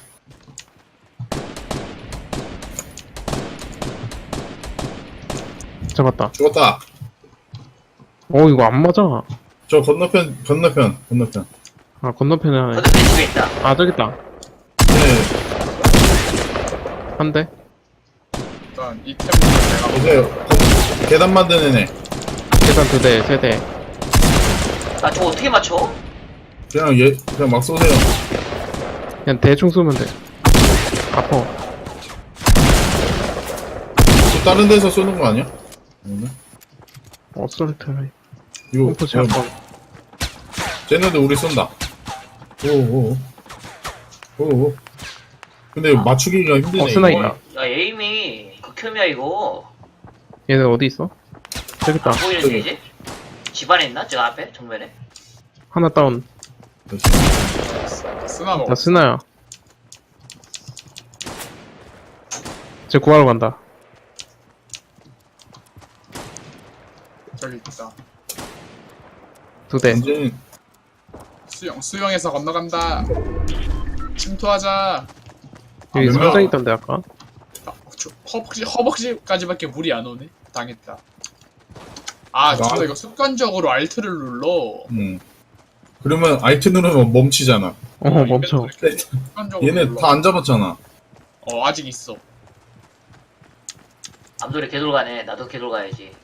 [SPEAKER 4] 잡았다.
[SPEAKER 3] 죽었다.
[SPEAKER 4] 어, 이거 안 맞아.
[SPEAKER 3] 저 건너편 건너편 건너편.
[SPEAKER 4] 아, 건너편에 하나. 있-
[SPEAKER 2] 건너편 집에 있다.
[SPEAKER 4] 아, 저기 있다.
[SPEAKER 3] 네.
[SPEAKER 4] 한 대.
[SPEAKER 1] 일단 이 템부터 내가
[SPEAKER 3] 보세요. 건- 계단 만드는 애.
[SPEAKER 4] 계단 두 대, 세 대.
[SPEAKER 2] 아, 저거 어떻게 맞춰?
[SPEAKER 3] 그냥 얘 그냥 막 쏘세요.
[SPEAKER 4] 그냥 대충 쏘면 돼. 아파.
[SPEAKER 3] 또 다른 데서 쏘는 거 아니야? 아닌가?
[SPEAKER 4] 어설트.
[SPEAKER 3] 이거
[SPEAKER 4] pom프
[SPEAKER 3] 쟤-
[SPEAKER 4] 샷건.
[SPEAKER 3] 쟤네들 우리 쏜다. 오오 오오. 근데 이거 맞추기가 힘드네.
[SPEAKER 4] 어, 스나
[SPEAKER 3] 이거.
[SPEAKER 4] 있다.
[SPEAKER 2] 야, 에임이 극혐이야, 이거.
[SPEAKER 4] 얘네 어디 있어? 저기 있다.
[SPEAKER 2] 안 보이는데, 이제? 집 안에 있나? 저 앞에? 정면에?
[SPEAKER 4] 하나 다운.
[SPEAKER 1] 쓰나 먹어.
[SPEAKER 4] 나 스나야. 쟤 구하러 간다.
[SPEAKER 1] 저기 있다.
[SPEAKER 4] 두 대.
[SPEAKER 3] 완전
[SPEAKER 1] 수영 수영해서 건너간다. 침투하자.
[SPEAKER 4] 여기
[SPEAKER 3] 아,
[SPEAKER 4] 상자
[SPEAKER 3] 뭐야?
[SPEAKER 4] 있던데, 아까?
[SPEAKER 1] 아, 저, 허벅지 허벅지까지밖에 물이 안 오네. 당했다. 아,
[SPEAKER 3] 나-
[SPEAKER 1] 진짜 이거 습관적으로 알트를 눌러.
[SPEAKER 3] 음. 그러면 알트 누르면 멈추잖아.
[SPEAKER 4] 어, 멈춰.
[SPEAKER 1] 인벤토리 이렇게 습관적으로
[SPEAKER 3] 얘네
[SPEAKER 1] 눌러.
[SPEAKER 3] 다 안 잡았잖아.
[SPEAKER 1] 어, 아직 있어.
[SPEAKER 2] 암돌이 개돌 가네. 나도 개돌 가야지.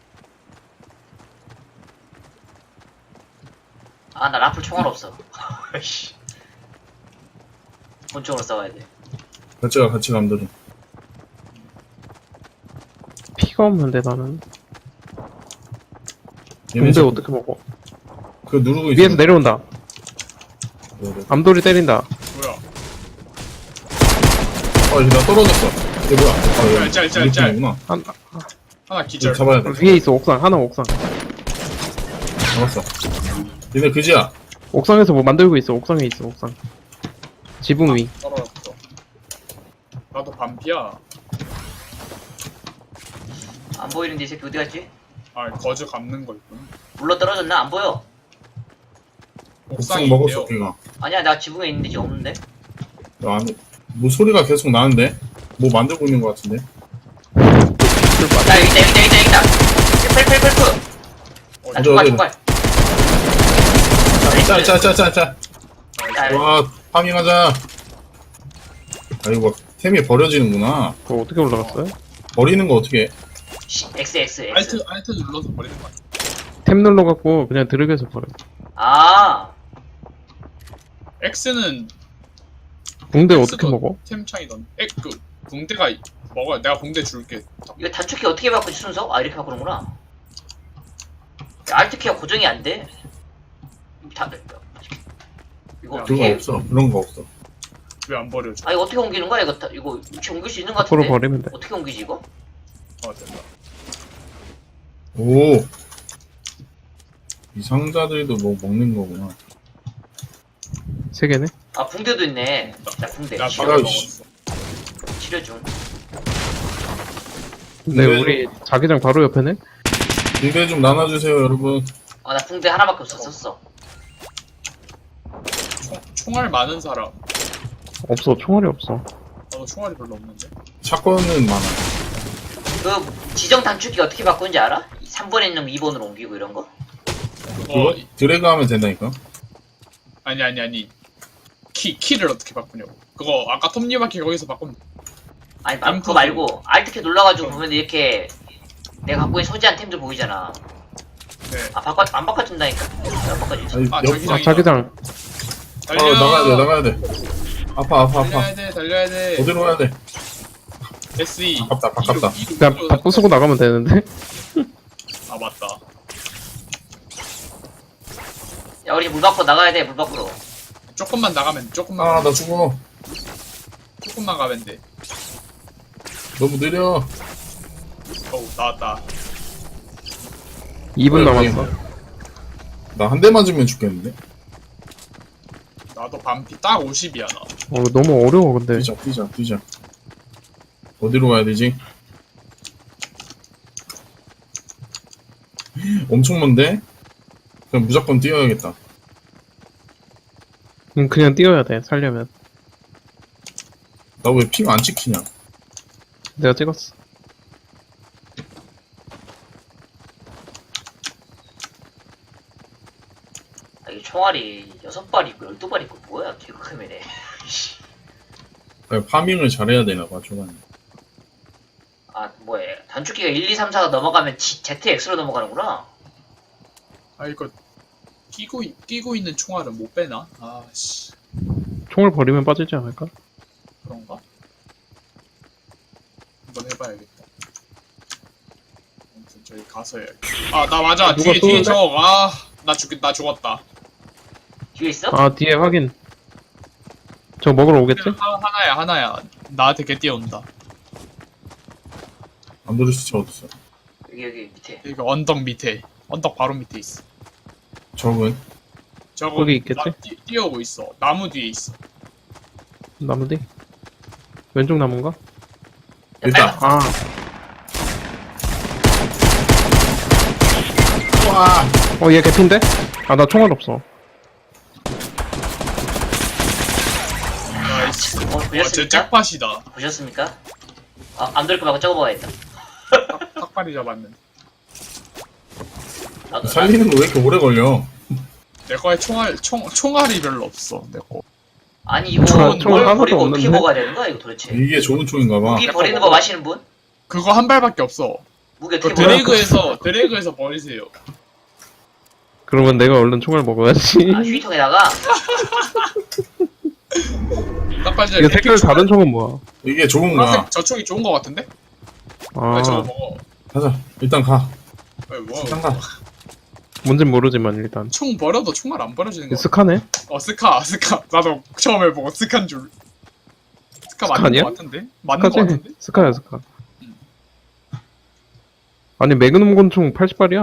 [SPEAKER 2] 아, 나 라플 총알 없어. 씨. 본총으로 싸워야 돼.
[SPEAKER 3] 같이 가 같이 감독이.
[SPEAKER 4] 피가 없는데, 나는.
[SPEAKER 3] 얘네
[SPEAKER 4] 근데
[SPEAKER 3] 자꾸
[SPEAKER 4] 어떻게 먹어?
[SPEAKER 3] 그거 누르고 있어.
[SPEAKER 4] 위에서 내려온다.
[SPEAKER 3] 네, 네.
[SPEAKER 4] 암돌이 때린다.
[SPEAKER 1] 뭐야?
[SPEAKER 3] 아, 나 떨어졌어. 이게 뭐야? 아, 여기
[SPEAKER 1] 짤, 짤, 짤.
[SPEAKER 3] 구나
[SPEAKER 4] 한,
[SPEAKER 1] 하나 기절.
[SPEAKER 3] 잡아야 돼.
[SPEAKER 4] 위에 있어, 옥상. 하나 옥상.
[SPEAKER 3] 잡았어. 얘네 그지야.
[SPEAKER 4] 옥상에서 뭐 만들고 있어, 옥상에 있어, 옥상. 지붕 위.
[SPEAKER 1] 떨어졌어. 나도 반피야.
[SPEAKER 2] 안 보이는데 이 새끼 어디 갔지?
[SPEAKER 1] 아 거즈 감는 거 있구나.
[SPEAKER 2] 물러 떨어졌나? 안 보여.
[SPEAKER 1] 옥상에
[SPEAKER 3] 옥상 먹었어,
[SPEAKER 1] 있대요.
[SPEAKER 3] 걔가.
[SPEAKER 2] 아니야 나 지붕에 있는데 지금 없는데.
[SPEAKER 3] 야, 안에 뭐 소리가 계속 나는데? 뭐 만들고 있는 것 같은데?
[SPEAKER 2] 야 여기다 여기다 여기다 여기다. 펠펠펠펠. 나
[SPEAKER 3] 어디,
[SPEAKER 2] 총알
[SPEAKER 3] 어디?
[SPEAKER 2] 총알.
[SPEAKER 3] 짤, 짤, 짤, 짤, 짤.
[SPEAKER 2] 야,
[SPEAKER 3] 와, 파밍하자. 아이고, 템이 버려지는구나.
[SPEAKER 4] 그거 어떻게 올라갔어요?
[SPEAKER 3] 버리는 거 어떻게 해?
[SPEAKER 2] 씨, X X X.
[SPEAKER 1] 알트 알트 눌러서 버리는 거 같아.
[SPEAKER 4] 템 눌러갖고 그냥 드래그해서 버려.
[SPEAKER 2] 아
[SPEAKER 1] X는
[SPEAKER 4] 붕대
[SPEAKER 1] X도
[SPEAKER 4] 어떻게 먹어?
[SPEAKER 1] 템창이 넌. 엑그 붕대가 먹어야 내가 붕대 줄게.
[SPEAKER 2] 이거 단축키 어떻게 바꾸지 순서? 아 이렇게 바꾸는구나. 알트키가 고정이 안 돼. 다 이거
[SPEAKER 1] 야,
[SPEAKER 3] 그거
[SPEAKER 2] 어떻게?
[SPEAKER 3] 없어. 그런 거 없어.
[SPEAKER 1] 왜 안 버려줘?
[SPEAKER 2] 아 이거 어떻게 옮기는 거야? 이거 다, 이거 이렇게 옮길 수 있는 거
[SPEAKER 4] 앞으로
[SPEAKER 2] 같은데?
[SPEAKER 4] 버리면 돼.
[SPEAKER 2] 어떻게 옮기지 이거?
[SPEAKER 1] 어 된다.
[SPEAKER 3] 오. 이 상자들도 뭐 먹는 거구나.
[SPEAKER 4] 세 개네?
[SPEAKER 2] 아 붕대도 있네. 자 붕대
[SPEAKER 1] 나
[SPEAKER 2] 치료,
[SPEAKER 1] 바로
[SPEAKER 3] 아유, 씨.
[SPEAKER 1] 먹었어.
[SPEAKER 2] 치료 중.
[SPEAKER 4] 근데
[SPEAKER 3] 네.
[SPEAKER 4] 우리 자기장 바로 옆에네?
[SPEAKER 3] 붕대 좀 나눠주세요, 여러분.
[SPEAKER 2] 아 나 붕대 하나밖에 없었어.
[SPEAKER 1] 총, 총알 많은 사람.
[SPEAKER 4] 없어, 총알이 없어.
[SPEAKER 1] 나도 총알이 별로 없는데.
[SPEAKER 3] 사건은 많아.
[SPEAKER 2] 그 지정 단축키 어떻게 바꾸는지 알아? 삼 번에 있는 거 이 번으로 옮기고 이런 거?
[SPEAKER 3] 그거
[SPEAKER 1] 어
[SPEAKER 3] 드래그 하면 된다니까?
[SPEAKER 1] 아니 아니 아니. 키 키를 어떻게 바꾸냐고. 그거 아까 톱니바퀴 거기서 바꾸면 돼.
[SPEAKER 2] 아니 마, 그거 말고 알트키 눌러가지고 보면 이렇게 내가 갖고 있는 소지한 템들 보이잖아.
[SPEAKER 1] 네.
[SPEAKER 2] 아 바꿔 안 바꿔준다니까. 안 바꿔주지.
[SPEAKER 3] 아니,
[SPEAKER 1] 아,
[SPEAKER 3] 옆,
[SPEAKER 1] 자기장.
[SPEAKER 4] 아, 자기장.
[SPEAKER 1] 달려.
[SPEAKER 3] 어, 나가야 돼, 나가야 돼. 아파, 아파, 아파.
[SPEAKER 1] 달려야 돼 달려야 돼.
[SPEAKER 3] 어디로 가야 돼?
[SPEAKER 1] 에스이.
[SPEAKER 3] 바깝다, 바깝다.
[SPEAKER 1] 이륙, 이륙,
[SPEAKER 4] 그냥
[SPEAKER 1] 이륙.
[SPEAKER 4] 다 부수고 나가면 되는데?
[SPEAKER 1] 아 맞다.
[SPEAKER 2] 야 우리 물 밖으로 나가야 돼 물 밖으로.
[SPEAKER 1] 조금만 나가면 돼, 조금만.
[SPEAKER 3] 아,
[SPEAKER 1] 가면
[SPEAKER 3] 나 죽어.
[SPEAKER 1] 돼. 조금만 가면 돼.
[SPEAKER 3] 너무 느려.
[SPEAKER 1] 어우 나왔다.
[SPEAKER 4] 이 분
[SPEAKER 3] 어,
[SPEAKER 4] 남았어.
[SPEAKER 3] 나 한 대 맞으면 죽겠는데?
[SPEAKER 1] 나도 반피 딱 오십이야 나.
[SPEAKER 4] 어, 너무 어려워, 근데.
[SPEAKER 3] 뛰자, 뛰자, 뛰자. 어디로 가야 되지? 엄청 먼데? 그냥 무조건 뛰어야겠다.
[SPEAKER 4] 음, 그냥 뛰어야 돼, 살려면.
[SPEAKER 3] 나 왜 핑 안 찍히냐?
[SPEAKER 4] 내가 찍었어.
[SPEAKER 2] 아, 이게 총알이 여섯 발 있고 열두 발 있고 뭐야 개그크맨에.
[SPEAKER 3] 그냥 파밍을 잘해야 되나봐, 초반에.
[SPEAKER 2] 아 뭐야 단축키가 일, 이, 삼, 사가 넘어가면 G, 제트엑스로 넘어가는구나.
[SPEAKER 1] 아 이거 끼고 있- 끼고 있는 총알은 못 빼나? 아씨
[SPEAKER 4] 총을 버리면 빠지지 않을까?
[SPEAKER 1] 그런가? 한번 해봐야겠다. 아무튼 저기 가서 해야겠다. 아나 맞아
[SPEAKER 4] 누가
[SPEAKER 1] 뒤에 뒤에
[SPEAKER 4] 쏘는데?
[SPEAKER 1] 저아나 죽 나 죽었다.
[SPEAKER 2] 뒤에 있어?
[SPEAKER 4] 아, 뒤에 확인. 저 먹으러 오겠지?
[SPEAKER 1] 하, 하나야 하나야 나한테 개 뛰어온다.
[SPEAKER 3] 안드레스 차 어딨어?
[SPEAKER 2] 여기 여기 밑에.
[SPEAKER 1] 이거 언덕 밑에 언덕 바로 밑에 있어.
[SPEAKER 3] 적은?
[SPEAKER 1] 저거
[SPEAKER 4] 거기 있겠지?
[SPEAKER 1] 나 뛰, 뛰어오고 있어. 나무 뒤에 있어.
[SPEAKER 4] 나무 뒤? 왼쪽 나무인가?
[SPEAKER 3] 일단,
[SPEAKER 4] 아,
[SPEAKER 3] 와!
[SPEAKER 4] 어, 얘 개핀데? 아, 나 총알 없어.
[SPEAKER 1] 나이스.
[SPEAKER 2] 어
[SPEAKER 1] 와쟤
[SPEAKER 2] 보셨습니까?
[SPEAKER 1] 잭팟이다.
[SPEAKER 2] 보셨습니까? 아안 들을 거 말고 저거 먹어야겠다.
[SPEAKER 1] 탁발이 잡았는데.
[SPEAKER 2] 나도 나,
[SPEAKER 3] 살리는 거 왜 이렇게 오래 걸려?
[SPEAKER 1] 내 거에 총알 총 총알이 별로 없어. 내 거.
[SPEAKER 2] 아니 이거
[SPEAKER 1] 총알-
[SPEAKER 4] 총알
[SPEAKER 2] 뭘
[SPEAKER 4] 하나도
[SPEAKER 2] 버리고 어떻게
[SPEAKER 4] 없는데?
[SPEAKER 2] 먹어야 되는 거야 이거 도대체?
[SPEAKER 3] 이게 좋은 총인가 봐.
[SPEAKER 2] 무기 버리는 법 아시는 분?
[SPEAKER 1] 그거 한 발밖에 없어.
[SPEAKER 2] 무기
[SPEAKER 1] 그
[SPEAKER 2] 어떻게 버려?
[SPEAKER 1] 드래그에서 드래그에서 버리세요.
[SPEAKER 4] 그러면 내가 얼른 총알 먹어야지.
[SPEAKER 2] 아 휴지통에다가.
[SPEAKER 1] 탁발이
[SPEAKER 4] 이거 색깔 다른 총은 뭐야?
[SPEAKER 3] 이게 좋은가?
[SPEAKER 1] 파란색 저 총이 좋은 거 같은데?
[SPEAKER 4] 아,
[SPEAKER 1] 왜 저거 먹어?
[SPEAKER 3] 가자. 일단 가.
[SPEAKER 1] 왜 뭐?
[SPEAKER 3] 일단 가.
[SPEAKER 4] 뭔진 모르지만 일단.
[SPEAKER 1] 총 버려도 총알 안 버려지는 거. 같아.
[SPEAKER 4] 스카네?
[SPEAKER 1] 어 스카 스카. 나도 처음에 보고 스카인 줄. 스카
[SPEAKER 4] 스카
[SPEAKER 1] 맞는
[SPEAKER 4] 아니야?
[SPEAKER 1] 거 같은데? 맞는 거
[SPEAKER 4] 스카지?
[SPEAKER 1] 같은데?
[SPEAKER 4] 스카야 스카. 아니 매그넘 권총 팔십 발이야.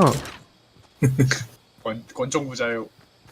[SPEAKER 1] 권, 권총 부자요.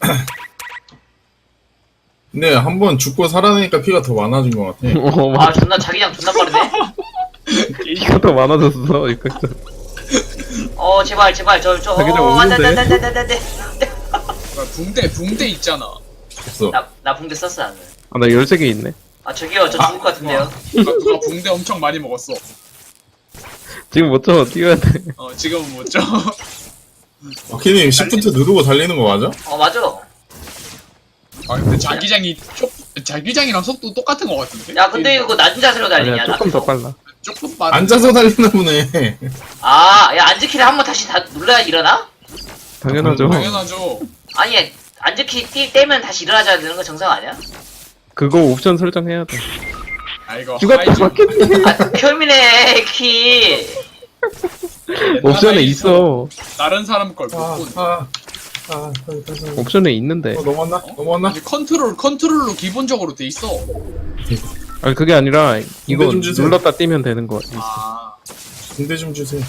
[SPEAKER 3] 근데 한 번 죽고 살아나니까 피가 더 많아진 것 같아.
[SPEAKER 4] 어
[SPEAKER 2] 아
[SPEAKER 4] 맞아.
[SPEAKER 2] 존나 자기장 존나 빠르네.
[SPEAKER 4] 피가 더 많아졌어 이거.
[SPEAKER 2] 어 제발 제발 저저
[SPEAKER 4] 자기장
[SPEAKER 2] 어, 안돼
[SPEAKER 4] 오는데?
[SPEAKER 2] 안돼 안돼 안돼 안돼.
[SPEAKER 1] 뭐야, 붕대 붕대 있잖아.
[SPEAKER 3] 없어.
[SPEAKER 2] 나나 붕대 썼어 나는.
[SPEAKER 4] 아나 열세 개 있네.
[SPEAKER 2] 아 저기요 저 죽을 것 같은데요.
[SPEAKER 1] 누가, 누가 붕대 엄청 많이 먹었어.
[SPEAKER 4] 지금 못쳐 뛰어야 돼.
[SPEAKER 1] 어 지금은 못 줘.
[SPEAKER 3] 마키님 시프트 누르고 달리는 거 맞아?
[SPEAKER 2] 어 맞아.
[SPEAKER 1] 아 근데 자기장이 쪽 자기장이랑 속도 똑같은 거 같은데?
[SPEAKER 2] 야 근데 이거 낮은 자세로 달리냐?
[SPEAKER 4] 아니야 조금 더
[SPEAKER 2] 나도.
[SPEAKER 4] 빨라.
[SPEAKER 1] 조금 빠른.
[SPEAKER 3] 앉아서 달리나 보네.
[SPEAKER 2] 아야 앉으키를 한번 다시 다 눌러야 일어나?
[SPEAKER 4] 당연하죠.
[SPEAKER 1] 당연하죠.
[SPEAKER 2] 아니 앉으키 띠 떼면 다시 일어나줘야 되는 거 정상 아니야?
[SPEAKER 4] 그거 옵션 설정해야 돼.
[SPEAKER 1] 아 이거
[SPEAKER 4] 죽었다
[SPEAKER 1] 하이즈
[SPEAKER 4] 맞겠네.
[SPEAKER 2] 아 표민의 키.
[SPEAKER 1] 옛날
[SPEAKER 4] 옵션에
[SPEAKER 1] 하이즈
[SPEAKER 4] 있어.
[SPEAKER 1] 다른 사람 걸
[SPEAKER 3] 아,
[SPEAKER 1] 못 본.
[SPEAKER 3] 아, 아, 빨리, 빨리, 빨리.
[SPEAKER 4] 옵션에 있는데.
[SPEAKER 3] 어, 넘어왔나? 넘어왔나?
[SPEAKER 1] 아니 컨트롤 컨트롤로 기본적으로 돼 있어.
[SPEAKER 4] 아니 그게 아니라 이거
[SPEAKER 3] 좀 주세요.
[SPEAKER 4] 눌렀다 뛰면 되는 거. 있어.
[SPEAKER 1] 아
[SPEAKER 3] 군대 좀 주세요.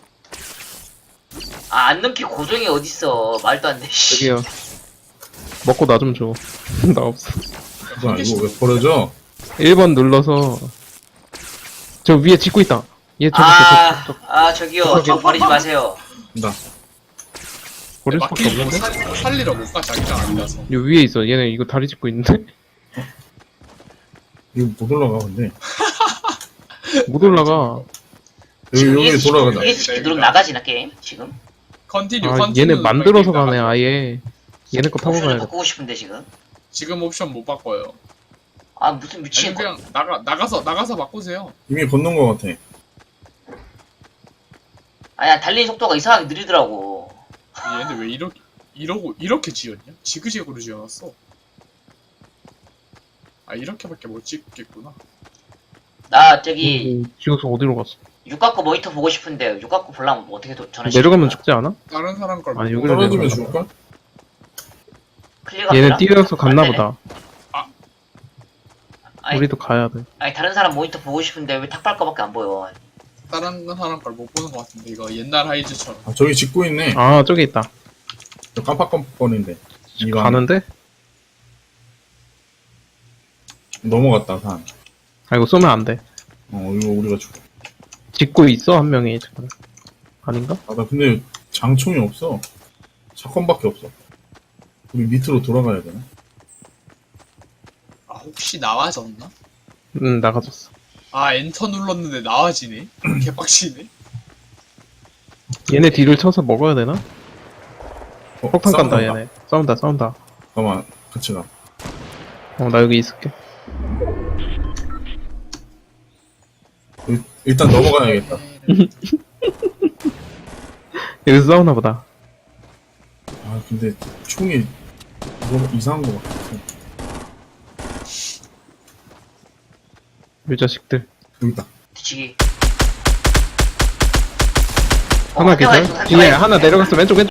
[SPEAKER 2] 아 안 넘기 고정이 어딨어. 말도 안 돼. 씨.
[SPEAKER 4] 저기요. 먹고 나 좀 줘. 나 없어.
[SPEAKER 3] 뭐야, 이거 왜 버려져?
[SPEAKER 4] 일 번 눌러서 저 위에 짓고 있다. 얘 저기
[SPEAKER 2] 아,
[SPEAKER 4] 저, 저, 저,
[SPEAKER 2] 아 저기요 저 버리지 마세요.
[SPEAKER 3] 나.
[SPEAKER 4] 버릴 수밖에
[SPEAKER 1] 막히고
[SPEAKER 4] 없는데?
[SPEAKER 1] 살, 살리러 못 가 자기장 아니라서.
[SPEAKER 4] 요 위에 있어. 얘네 이거 다리 짚고 있는데?
[SPEAKER 3] 이거 못 올라가, 근데.
[SPEAKER 4] 못 올라가.
[SPEAKER 3] 여기, 여기 돌아가자.
[SPEAKER 2] 위에서 시키 누르면 나가지나 게임 지금?
[SPEAKER 1] 컨티뉴
[SPEAKER 4] 아
[SPEAKER 1] 컨티뉴.
[SPEAKER 4] 얘네 만들어서 가네 아예. 얘네 거 타고
[SPEAKER 2] 옵션을
[SPEAKER 4] 가야겠다.
[SPEAKER 2] 바꾸고 싶은데 지금?
[SPEAKER 1] 지금 옵션 못 바꿔요.
[SPEAKER 2] 아 무슨
[SPEAKER 1] 아니
[SPEAKER 2] 미친 거.
[SPEAKER 1] 그냥 나가 나가서 나가서 바꾸세요.
[SPEAKER 3] 이미 건넌 것 같아.
[SPEAKER 2] 아야 달리는 속도가 이상하게 느리더라고.
[SPEAKER 1] 얘네 왜 이렇게 이러고 이렇게 지었냐? 지그재그로 지어놨어. 아 이렇게밖에 못 찍겠구나.
[SPEAKER 2] 나 저기
[SPEAKER 4] 오, 지옥서 어디로 갔어?
[SPEAKER 2] 육각고 모니터 보고 싶은데 육각고 보려면 뭐 어떻게 도- 전화시
[SPEAKER 4] 내려가면 죽지 않아?
[SPEAKER 1] 다른 사람 걸.
[SPEAKER 4] 아니,
[SPEAKER 1] 바꾸고.
[SPEAKER 4] 여기로
[SPEAKER 3] 떨어지면
[SPEAKER 4] 내려가.
[SPEAKER 3] 죽을까?
[SPEAKER 2] 클릭가
[SPEAKER 4] 얘네 뛰어서 갔나
[SPEAKER 2] 안 되네.
[SPEAKER 4] 보다.
[SPEAKER 2] 아니,
[SPEAKER 4] 우리도 가야 돼.
[SPEAKER 2] 아니 다른 사람 모니터 보고 싶은데 왜 탁발 거밖에 안 보여.
[SPEAKER 1] 다른 사람 걸 못 보는 것 같은데 이거 옛날 하이즈처럼.
[SPEAKER 3] 아, 저기 짓고 있네.
[SPEAKER 4] 아 저기 있다.
[SPEAKER 3] 저 깜빡깜빡거리는데. 이거
[SPEAKER 4] 가는데?
[SPEAKER 3] 넘어갔다, 산.
[SPEAKER 4] 아 이거 쏘면 안 돼.
[SPEAKER 3] 어, 이거 우리가 죽어.
[SPEAKER 4] 짓고 있어 한 명이 지금. 아닌가?
[SPEAKER 3] 아, 나 근데 장총이 없어. 샷건밖에 없어. 우리 밑으로 돌아가야 되나?
[SPEAKER 1] 아 혹시 나와졌나?
[SPEAKER 4] 응 나가졌어.
[SPEAKER 1] 아 엔터 눌렀는데 나와지네. 개빡치네.
[SPEAKER 4] 얘네 뒤를 쳐서 먹어야 되나?
[SPEAKER 3] 어,
[SPEAKER 4] 폭탄 깐다
[SPEAKER 3] 싸운다.
[SPEAKER 4] 얘네. 싸운다 싸운다.
[SPEAKER 3] 잠깐만, 같이 가.
[SPEAKER 4] 어 나 여기 있을게.
[SPEAKER 3] 일- 일단 넘어가야겠다.
[SPEAKER 4] 여기서 싸우나 보다.
[SPEAKER 3] 아, 근데 총이 너무 이상한 것 같아.
[SPEAKER 4] 이 자식들.
[SPEAKER 3] 여기 있다.
[SPEAKER 2] 뒤치기.
[SPEAKER 4] 하나
[SPEAKER 2] 어,
[SPEAKER 4] 계절?
[SPEAKER 2] 한 대만
[SPEAKER 4] 뒤에
[SPEAKER 2] 있어,
[SPEAKER 4] 하나 내려갔어 왼쪽 왼쪽.